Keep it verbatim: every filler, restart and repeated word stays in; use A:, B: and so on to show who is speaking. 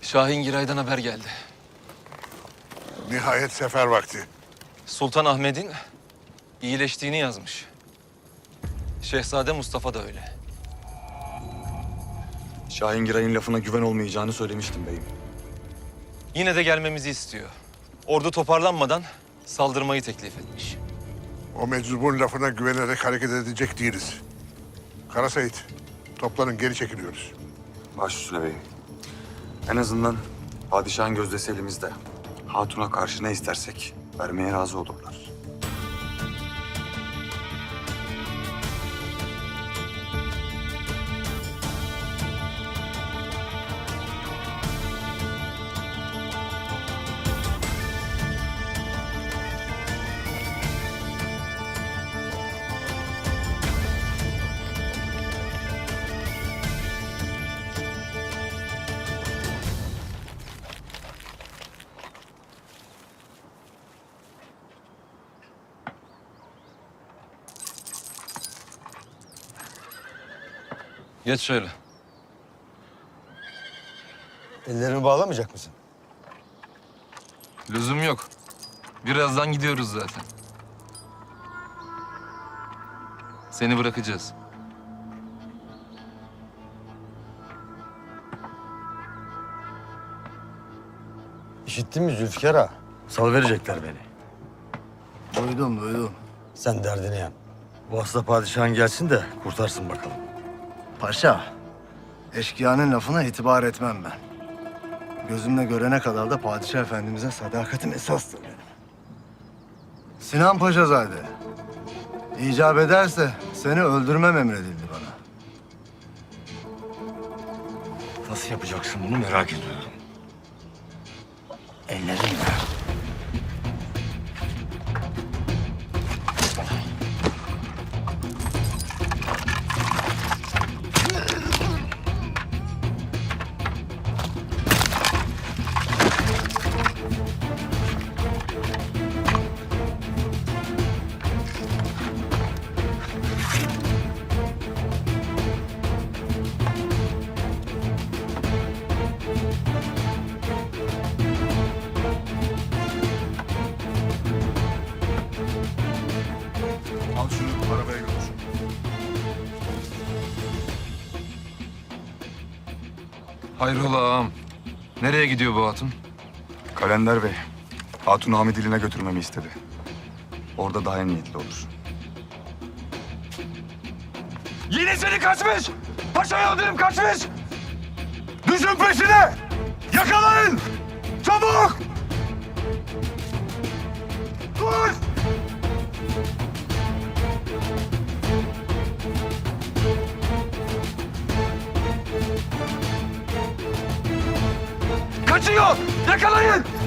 A: Şahin Giray'dan haber geldi.
B: Nihayet sefer vakti.
A: Sultan Ahmet'in iyileştiğini yazmış. Şehzade Mustafa da öyle.
C: Şahin Giray'ın lafına güven olmayacağını söylemiştim beyim.
A: Yine de gelmemizi istiyor. Ordu toparlanmadan saldırmayı teklif etmiş.
B: O meczubun lafına güvenerek hareket edecek değiliz. Kara Seyit, toplanın, geri çekiliyoruz.
C: Baş üstüne beyim. En azından padişahın gözdesi elimizde. Hatun'a karşı ne istersek vermeye razı olurlar.
A: Geç şöyle.
D: Ellerimi bağlamayacak mısın?
A: Lüzum yok. Birazdan gidiyoruz zaten. Seni bırakacağız.
D: İşittin mi Zülfikar ağa? Sal verecekler beni.
E: Duydum, duydum.
D: Sen derdini yan. Bu hasta padişahın gelsin de kurtarsın bakalım.
E: Paşa, eşkıyanın lafına itibar etmem ben. Gözümle görene kadar da padişah efendimize sadakatim esastır benim. Sinan Paşazade, icap ederse seni öldürmem emredildi bana.
D: Nasıl yapacaksın bunu merak ediyorum. Ellerinle.
B: Al şunu, arabaya götür.
A: Hayrola ağam. Nereye gidiyor bu hatun?
C: Kalender Bey, Hatun'u Hamidiliğine götürmemi istedi. Orada daha emniyetli olur.
D: Yine seni kaçmış! Paşa yıldırım kaçmış! Düşün peşine! Yakalayın! Çabuk! Dur! Kaçıyor! Yakalayın!